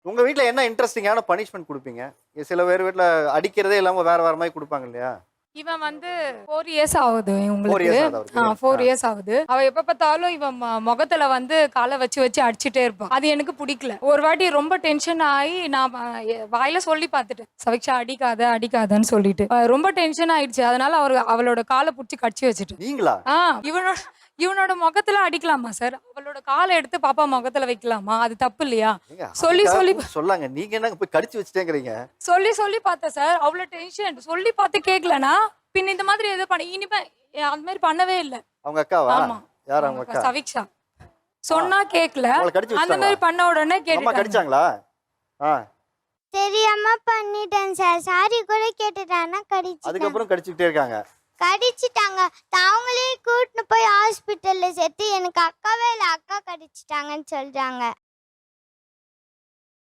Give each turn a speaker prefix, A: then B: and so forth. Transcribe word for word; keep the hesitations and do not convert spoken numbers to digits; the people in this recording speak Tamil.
A: உங்க வீட்ல என்ன இன்ட்ரெஸ்டிங்கான பனிஷ்மென்ட் குடுப்பீங்க? சில பேர் வீட்ல அடிக்கிறதே இல்லாம வேற வேற மாரி குடுப்பாங்க இல்லையா?
B: இவன் வந்து நான்கு இயர்ஸ் ஆகுது
A: நான்கு
B: உங்களுக்கு.
A: இயர்ஸ் ஆகுது
B: ஆ
A: அவருக்கு.
B: நான்கு
A: ஆ.
B: இயர்ஸ் ஆகுது. அவ எப்ப பார்த்தாலும் இவன் ம முகத்துல வந்து கால வச்சு வச்சு அடிச்சுட்டே இருப்பா. அது எனக்கு புடிக்கல. ஒரு வாட்டி ரொம்ப டென்ஷன் ஆயி நான் வ எ வாயில சொல்லி பார்த்துட்டேன். "சவிக்ஷா அடிக்காத, அடிக்காதன்னு" சொல்லிட்டு. அ ரொம்ப டென்ஷன் ஆயிடுச்சு. அதனால அவரு அவளோட கால புடிச்சு கடிச்சு வச்சுட்டேன்.
A: நீங்களா?
B: ஆ இவனோட இவனோட முகத்துல அடிக்கலாமா சார்? அவளோட கால எடுத்து பாப்பா முகத்துல வைக்கலாமா? அது தப்பு இல்லையா?
A: ஏங்க
B: சொல்லி
A: அதுக்காக
B: சொல்லி
A: கூப்பிட்டு சொல்லாங்க. நீங்க என்னங்க போய் கடிச்சு வச்சுட்டேங்கிறீங்க?
B: சொல்லி சொல்லி பார்த்தேன் சார். அவ்ளோ டென்ஷன். சொல்லி பார்த்து கேட்கலனா, பின்ன இந்த மாதிரி எதோ பண்ண இனிமே எ அந்த மாரி பண்ணவே இல்ல.
A: அவங்க அக்காவா?
B: ஆமா.
A: யார்
B: அவங்க
A: அவங்க
B: அக்கா
A: அக்கா?
B: சவிக்ஷா. சொன்னா கேட்கல.
A: உங்கள கடிச்சு
B: அந்த
A: வச்சுட்டாங்களா?
B: மாரி பண்ண உடனே
A: உங்க அம்மா
B: கேட்டுட்டாங்க.
A: கடிச்சாங்களா? ஆ.
C: தெரியாம பண்ணிட்டேன் சார். சாரி கூட கேட்டுட்டேன். ஆனா கடிச்சிட்டாங்க.
A: அதுக்கப்புறம் கடிச்சுக்கிட்டே இருக்காங்க.
C: கடிச்சிட்டாங்க. அவங்களே கூட்டின்னு போய் ஹாஸ்பிட்டல்ல சேர்த்து எனக்கு அக்காவே இல்ல அக்கா கடிச்சிட்டாங்கன்னு சொல்றாங்க.